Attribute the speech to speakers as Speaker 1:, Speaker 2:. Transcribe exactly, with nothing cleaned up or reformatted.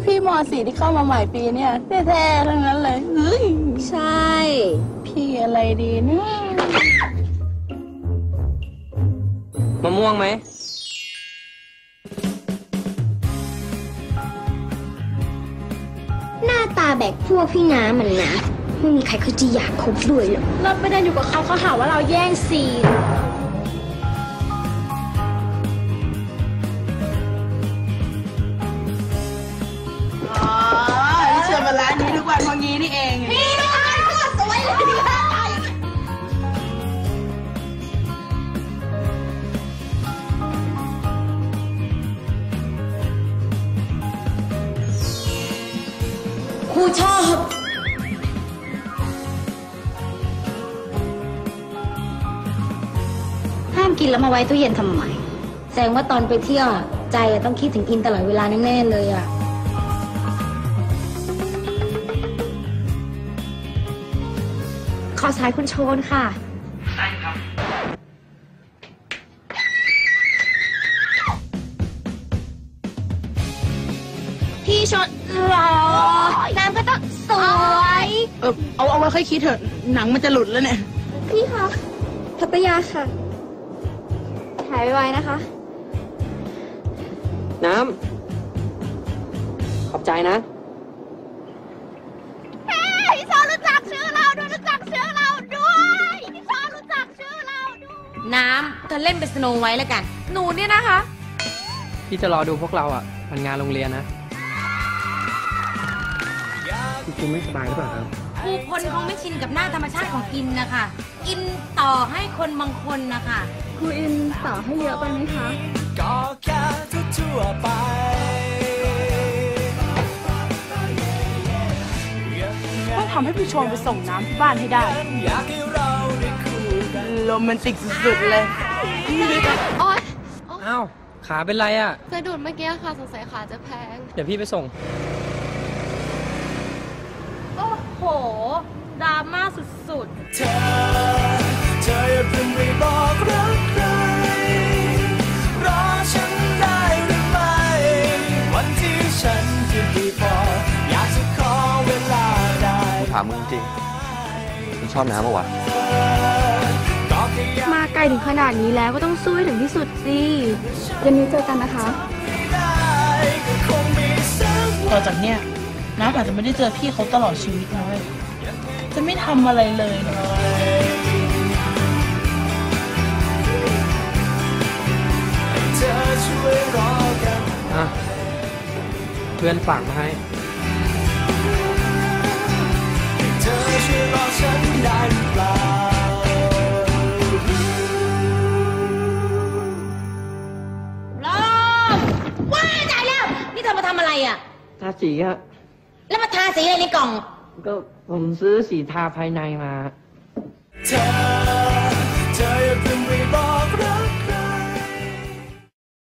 Speaker 1: พี่ม.สี่ที่เข้ามาใหม่ปีเนี่ยแท้ๆทั้งนั้นเลยเฮ้ย
Speaker 2: ใช่
Speaker 1: พี่อะไรดีเนี่ย
Speaker 3: มะม่วงไหม
Speaker 2: หน้าตาแบกพวกพี่น้ำมันนะไม่มีใครเขาจะอยากคบด้วยหรอกเราไม่ได้อยู่กับเขาเขาหาว่าเราแย่งซีน
Speaker 1: อ๋อเชิญมาร้านนี้ทุกวันพองี้นี่เองพี่น้องก็สวยเลย
Speaker 2: ครูชอบห้ามกินแล้วมาไว้ตู้เย็นทำไมแสดงว่าตอนไปเที่ยวใจต้องคิดถึงอินตลอดเวลาแน่ๆเลยอ่ะขอสายคุณโชนค่ะใช่ครับพี่ชนหล่อน้ำก็ต้องสวย
Speaker 1: เออเอาเอาไว้ค่อยคิดเถอะหนังมันจะหลุดแล้วเนี่ย
Speaker 2: พี่คะทัตยาค่ะหายไวๆนะคะ
Speaker 3: น้ำขอบใจนะ
Speaker 2: พี่ชอนรู้จักชื่อเราด้วยรู้จักชื่อเราด้วยพี่ชอนรู้จักชื่อเราด้วยน้ำเธอเล่นเป็นสโนว์ไว้แล้วกันหนูเนี่ยนะคะ
Speaker 3: พี่จะรอดูพวกเราอ่ะมันงานโรงเรียนนะคุณไม่สบายหรือเปล่าครับ
Speaker 2: ผู้คนคงไม่ชินกับหน้าธรรมชาติของอินนะคะอินต่อให้คนบางคนนะคะครูอินต่อให้เยอะไปไหมคะก็แค่ทั่วไป
Speaker 1: ต้องทำให้พี่ชวนไปส่งน้ำที่บ้านให้ได้โรแมนติกสุดๆเลย
Speaker 4: โอ๊ย
Speaker 3: อ้าวขาเป็นไรอ่ะ
Speaker 4: สะดุดเมื่อกี้ค่ะสงสัยขาจะแพง
Speaker 3: เดี๋ยวพี่ไปส่ง
Speaker 2: โอ้โหดราม่าสุดๆเธอ
Speaker 5: เธออย่าเพิ่งไปบอกรักใครรอฉันได้หรือไม่วันที่ฉันจะดีพออยากจะขอเวลาได้
Speaker 6: ถามมึงจริงมึงชอบน้ำปะวะ
Speaker 4: มาไกลถึงขนาดนี้แล้วก็ต้องสู้ให้ถึงที่สุดสิเย็นนี้เจอกันนะคะ
Speaker 1: ต่อจากเนี้ยน้ำอาจจะไม่ได้เจอพี่เขาตลอดชีวิตนะเว้ยจะไม่ทำอะไรเลยนะ
Speaker 3: อ่ะเพื่อนฝากมาให้
Speaker 5: เธอช่วยรอฉันได้หรือเปล่า
Speaker 2: ลมว้าตายแล้วนี่เธอมาทำอะไรอ่ะ
Speaker 3: ทาสีอะ
Speaker 2: แล้วมาทาสีอะไรในกล่อง
Speaker 3: ก็ผมซื้อสีทาภายในมา
Speaker 5: เธอเธออย่าเพิ่งไป